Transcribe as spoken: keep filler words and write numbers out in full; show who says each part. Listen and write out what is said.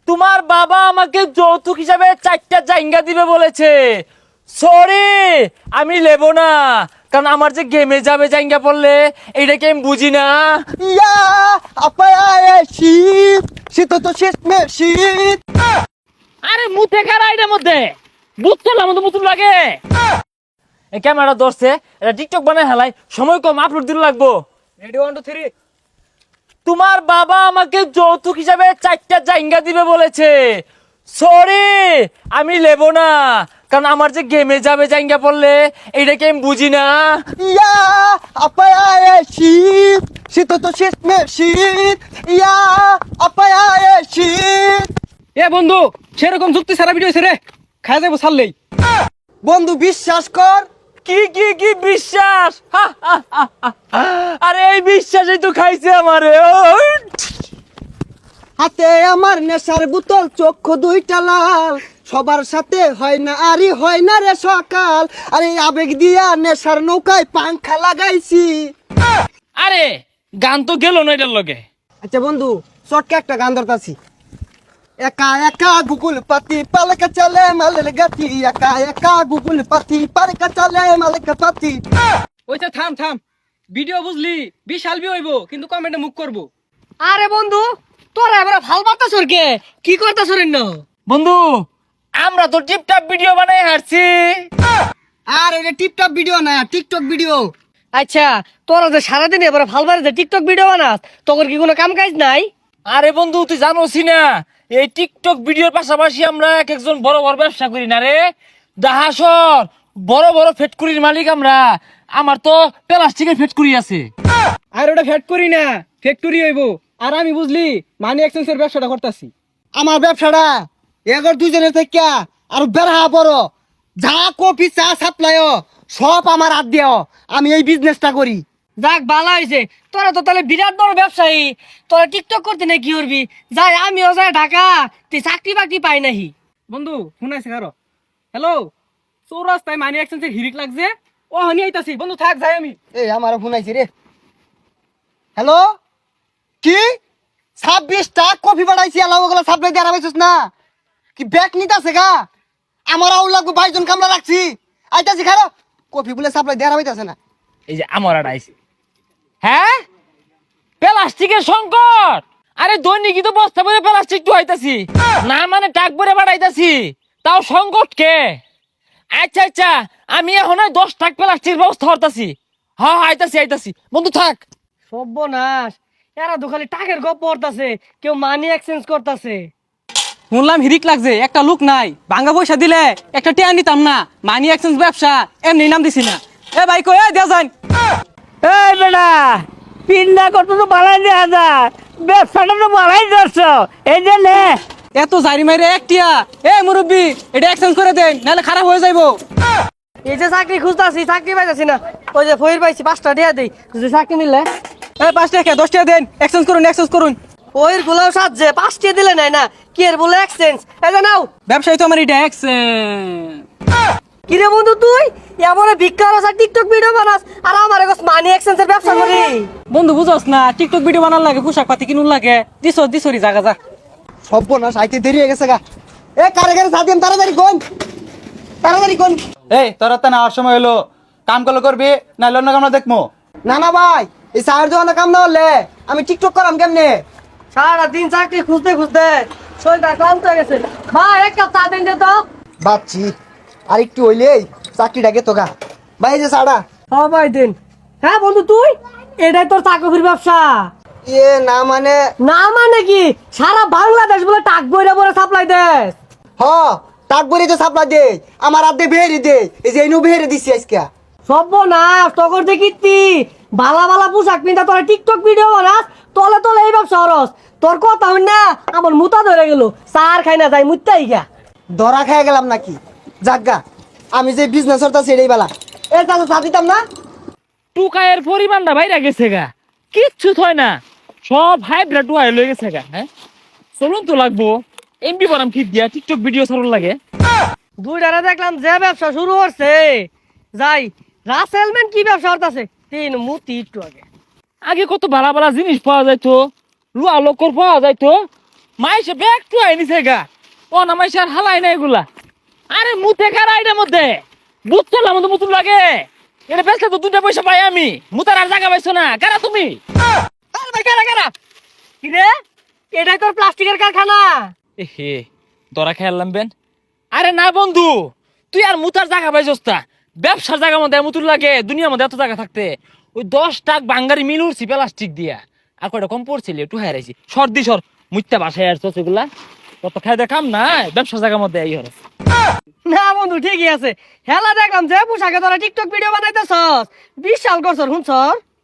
Speaker 1: তোমার বাবা আমাকে যৌতুক হিসাবে চারটা জায়গা দিবে বলেছে। সরি, আমি নেব না, কারণ আমার যে গেমে যাবে জায়গা পড়লে এইটাকে আমি বুঝি না।
Speaker 2: ইয়া আপায় শীত শীত তো শেষ মে শীত।
Speaker 1: আরে মুতে খারা এটার মধ্যে বুঝ চলার মতো মুতুন লাগে। এই ক্যামেরা ধরছে, এটা টিকটক বানায় হেলাই, সময় কম, আপলোড দিতে লাগবো।
Speaker 2: Ready one two three.
Speaker 1: তোমার বাবা আমাকে যৌতুক হিসাবে চারটা জায়গা দিবে বলেছে। সরি, আমি নেব না, কারণ আমার যে গেমে যাবে জায়গা পড়লে এইটাকে আমি বুঝি না।
Speaker 2: ইয়া আপায় শীত শীত তো শেষ মে শীত। ইয়া আপায় শীত।
Speaker 3: এ বন্ধু, সেরকম যুক্তি সারা ভিডিও রে খাই যাবো ছাড়লেই।
Speaker 2: বন্ধু বিশ্বাস কর।
Speaker 1: কি কি কি বিশ্বাস? হা, হা, হা, হা। আরে এই বিশ্বাসই তো খাইছে আমারে। ওই!
Speaker 2: হাতে আমার নেশার বোতল, চক্ষু দুইটা লাল, সবার সাথে হয় না আরি হয় না রে সকাল। আরে আবেগ দিয়া নেশার নৌকায় পাংখা লাগাইছি।
Speaker 1: আরে গান তো গেল না এটার লগে।
Speaker 2: আচ্ছা বন্ধু, শর্টকে একটা গান ধরতাছি। একা একা গুগল পাতি পালকা চলে মালের গাতি। একা একা গুগল পাতি পালকা চলে মালের পাতি।
Speaker 3: ওইটা থাম থাম, ভিডিও বুঝলি বিশাল বি হইব, কিন্তু কমেন্টে মুখ করবো।
Speaker 4: আরে বন্ধু, তোরা এবার ভাল বার্তা সরকে কি করতা সরেন না?
Speaker 1: বন্ধু, আমরা তো টিপটাপ ভিডিও বানাই হারছি।
Speaker 2: আর এটা টিপটপ ভিডিও না, টিকটক ভিডিও।
Speaker 4: আচ্ছা, তোরা যে সারাদিন এবার ভাল বারে যে টিকটক ভিডিও বানাস, তোর কি কোনো কাম কাজ নাই?
Speaker 1: আরে বন্ধু, তুই জানোসি না এই টিকটক ভিডিওর পাশাপাশি আমরা এক একজন বড় বড় ব্যবসা করি না রে। দাহাসর বড় বড় ফ্যাক্টরির মালিক আমরা। আমার তো প্লাস্টিকের ফ্যাক্টরি আছে।
Speaker 3: আর ওটা ফ্যাট করি না, ফ্যাক্টরি হইব। আর আমি বুঝলি মানি এক্সচেঞ্জের ব্যবসাটা করতেছি।
Speaker 2: আমার ব্যবসাটা এগর দুজনের থেকে আর বেড়া বড়। যা কফি চা সাপ্লাই সব আমার হাত দিও। আমি এই বিজনেসটা করি।
Speaker 4: যাক ভালো হয়েছে, তোরা তো তাহলে বিরাট বড় ব্যবসায়ী। তোরা টিকটক করতে না কি করবি? যাই আমিও যাই ঢাকা, তুই চাকরি বাকরি পাই নাহি।
Speaker 3: বন্ধু শুনাইছে কারো? হ্যালো, চৌরাস্তায় মানি এক্সচেঞ্জের হিরিক লাগছে, ও হানি আইতাছি। বন্ধু থাক, যাই আমি।
Speaker 2: এই আমার ফোন আইছে রে। হ্যালো, কি ছাব্বিশটা কফি বাড়াইছি, এলাও ওগুলো সাপ্লাই দিয়ে আরামাইছিস না কি? ব্যাগ নিতে আছে গা? আমার আউল লাগবে, বাইশ জন কামলা রাখছি। আইতাছি খারো, কফি বলে সাপ্লাই দিয়ে আরামাইতেছে না।
Speaker 1: এই যে আমার আড়াইছে। হ্যাঁ, প্লাস্টিকের সংকট। আরে দৈনিকই তো বস্তা ভরে প্লাস্টিক তো হইতাছি না, মানে টাক ভরে বাড়াইতাছি, তাও সংকট কে? আচ্ছা আচ্ছা, আমি এখন ওই দশ টাক প্লাস্টিকের ব্যবস্থা করতাছি। হ্যাঁ আইতাছি আইতাছি, বন্ধু থাক।
Speaker 4: সর্বনাশ, এরা তো খালি টাকের গপ পড়তাছে, কেউ মানি এক্সচেঞ্জ করতাছে।
Speaker 3: শুনলাম হিরিক লাগছে, একটা লোক নাই, ভাঙ্গা পয়সা দিলে একটা টিয়া নিতাম না। মানি এক্সচেঞ্জ ব্যবসা এমনি নাম দিছি না। এ ভাই কই, এ দেও যান।
Speaker 5: এই বেটা, পিন্ডা কত তো বাড়াই দেওয়া যায়, ব্যবসাটা তো বাড়াই যাচ্ছ, এই যে নে।
Speaker 3: এত জারি মাইরে এক টিয়া। এ মুরব্বি, এটা এক্সচেঞ্জ করে দেন, নাহলে খারাপ হয়ে যাইবো।
Speaker 4: এই যে চাকরি খুঁজতাছি, চাকরি পাইতাছি না। ওই যে ফইর পাইছি, পাঁচটা দিয়া দেই, যদি চাকরি মিললে।
Speaker 3: এ পাঁচ টাকা দশ টাকা দেন, এক্সচেঞ্জ করুন এক্সচেঞ্জ করুন।
Speaker 4: ওইর গুলাও সাজছে, পাঁচটা দিলে নাই না, কি এর বলে এক্সচেঞ্জ? এই যে নাও।
Speaker 3: ব্যবসায়ী তো আমার এটা এক্সচেঞ্জ।
Speaker 4: কিরে বন্ধু, তুই এমন ভিক্ষার আছে, টিকটক ভিডিও বানাস, আর আমার কাছে মানি এক্সচেঞ্জের ব্যবসা করি?
Speaker 3: বন্ধু বুঝস না, টিকটক ভিডিও বানার লাগে, পোশাক পাতি কিনুন লাগে। দিস দিসরি জাগা যা।
Speaker 2: সর্বনাশ, আইতে দেরি হয়ে গেছে গা। এ কারে কারে সাথে তাড়াতাড়ি কোন, তাড়াতাড়ি কোন।
Speaker 6: এই তোর তো নেওয়ার সময় হলো, কাম করলে করবি, না অন্য কামনা দেখবো।
Speaker 2: না না ভাই, এই চায়ের দোকানে কাম না হলে আমি টিকটক করাম কেমনে?
Speaker 4: সারা দিন চাকরি খুঁজতে খুঁজতে শরীরটা ক্লান্ত হয়ে গেছে। ভাই এক কাপ চা দেন দে তো।
Speaker 2: বাচ্চি আর একটু হইলেই চাকরিটাকে তো গা। ভাই এই যে চাটা।
Speaker 4: ও ভাই দেন। হ্যাঁ বন্ধু, তুই এটাই তোর চাকরির ব্যবসা?
Speaker 2: এ না মানে,
Speaker 4: না মানে কি, সারা বাংলাদেশ বলে টাক বইরা বলে সাপ্লাই দেস?
Speaker 2: হ টাক বরি তো সাপ্লাই দে, আমার আদে বেহেরি দে। এই যে ইনু বেহেরি দিছি আজকে।
Speaker 4: সর্বনাশ, তখন দেখিতি বালা বালা পোশাক পিন্ধা তোরা টিকটক ভিডিও বানাস, তলে তলে এই ব্যবসা হরস। তোর কথা হই না, আমার মুতা ধরে গেল, চার খাই না যাই মুত্তাই গা।
Speaker 2: ধরা খেয়ে গেলাম নাকি? জাগা, আমি যে বিজনেস করতেছি এটাই বেলা। এ চাচা চা দিতাম না?
Speaker 1: টুকায়ের পরিমাণটা বাইরে গেছে গা, কিচ্ছু থয় না, সব হাইব্রিড টুকায় লয়ে গেছে গা। হ্যাঁ চলুন তো লাগবো, এমবি বানাম ঠিক দিয়া টিকটক ভিডিও ছাড়ুন লাগে।
Speaker 4: দুইটারে দেখলাম যে ব্যবসা শুরু করছে, যাই রাসেলম্যান কি ব্যবসা করতেছে, তিন মুতি একটু আগে।
Speaker 1: আগে কত ভালো ভালো জিনিস পাওয়া যাইতো, লুয়া লোকর পাওয়া যাইতো, মাইসে ব্যাগ টু আইনিছে গা ও না মাইসে আর হালাই না এগুলা আরে মুতে কারা এটার মধ্যে বুঝছো না মতো মুতুন লাগে এটা বেচলে তো দুটা পয়সা পাই আমি মুতার আর জায়গা পাইছো না কারা তুমি
Speaker 4: আরে ভাই কারা কারা কি রে এটাই তোর প্লাস্টিকের কারখানা
Speaker 1: এ হে দরা খেয়ালাম বেন আরে না বন্ধু তুই আর মুতার জায়গা পাইছস তা ব্যবসার জায়গা মধ্যে মুতুর লাগে দুনিয়ার মধ্যে এত জায়গা থাকতে ওই দশ টাক বাঙ্গারি মিল উঠছি প্লাস্টিক দিয়া আর কয়টা কম পড়ছিল একটু হারাইছি সর্দি সর মুত্যা বাসায় আর চোখগুলা কত খাই দেখাম না ব্যবসার জায়গার মধ্যে এই হরস
Speaker 4: না বন্ধু ঠিকই আছে হেলা দেখলাম যে পোশাকে তোরা টিকটক ভিডিও বানাইতেছস বিশাল করছর শুনছর